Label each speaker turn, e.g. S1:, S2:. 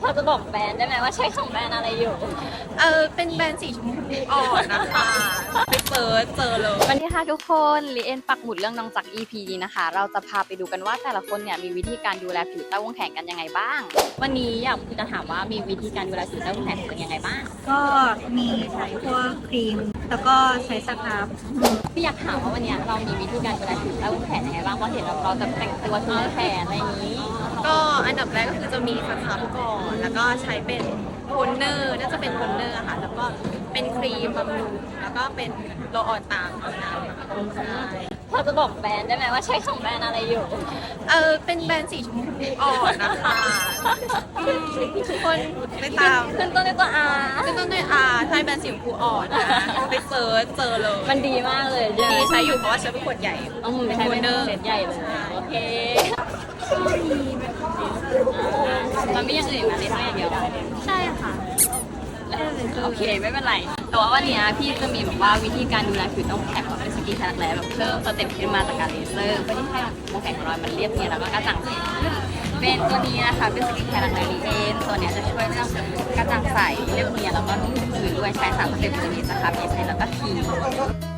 S1: พอจะบอกแบรนด์ได้ไหมว่าใช้ของแบรนด์อะไรอยู่
S2: เป็นแบรนด์สีชมพูอ่อนนะคะไปเซิร์ชเจอเลย
S1: วันนี้ค่ะทุกคนลีเอ็นปักหมุดเรื่องน้องจัก EP นี้นะคะ เราจะพาไปดูกันว่าแต่ละคนเนี่ยมีวิธีการดูแลผิวใต้วงแขนกันยังไงบ้าง วันนี้อยากจะถามว่ามีวิธีการดูแลผิวใต้วงแขนกันยังไงบ้าง
S3: ก็มีใช้พวกครีม แล้วก็ใช้สครับ
S1: พี่อยากถามว่าวันนี้เรามีวิธีการดูแลผิวใต้วงแขนยังไงบ้างเพราะเห็นเราจะแต่งตัวชูแขนอะไรอย่างนี้
S2: ก็อันดับแรกก็คือจะมีสครับก่อน แล้วก็ใช้เป็นโทนเนอร์น่าจะเป็นโทนเนอร์อะค่ะ แล้วก็เป็นครีมบำรุง แล้วก็เป็นโรลออนตามน้ำใช่
S1: พอจะบอกแบรนด์ได้ไหมว่าใช้ของแบรนด์อะไรอยู่
S2: เป็นแบรนด์สีชมพูอ่อนนะคะทุกคนไปตาม
S1: ขึ้นต้นด้วยตัว R
S2: ขึ้นต้นด้วยใช่แบรนด์สีชมพูอ่อนนะไปเซิร์ชเจอเลย
S1: มันดีมากเลย
S2: ดีใช้อยู่เพราะว่าใช้เป็นขวดใหญ่
S1: ต้องมือใช้เป็นเซตใหญ่เลย โอเคมันไม่ยังอื่นมาเลยทั้งอย่างเดียว
S3: ใช่ค่ะ
S1: โอเคไม่เป็นไร แต่ว่าวันนี้พี่จะมีแบบว่าวิธีการดูแลผิวต้องแข็งแบบเป็นสกินแคร์แลแบบเพิ่มสเต็ปขึ้นมาจากการเลเซอร์เพื่อที่ให้วงแขนของเรามันเรียบเนียนแล้วก็กระจ่างใสขึ้นเป็นตัวนี้นะคะเป็นสกินแคร์แลลีเอนตัวเนี้ยจะช่วยเรื่องกระจ่างใสเรียบเนียนแล้วก็นุ่มชื้นด้วยใช้3สเต็ปตัวนี้นะคะเอสเแล้วก็ที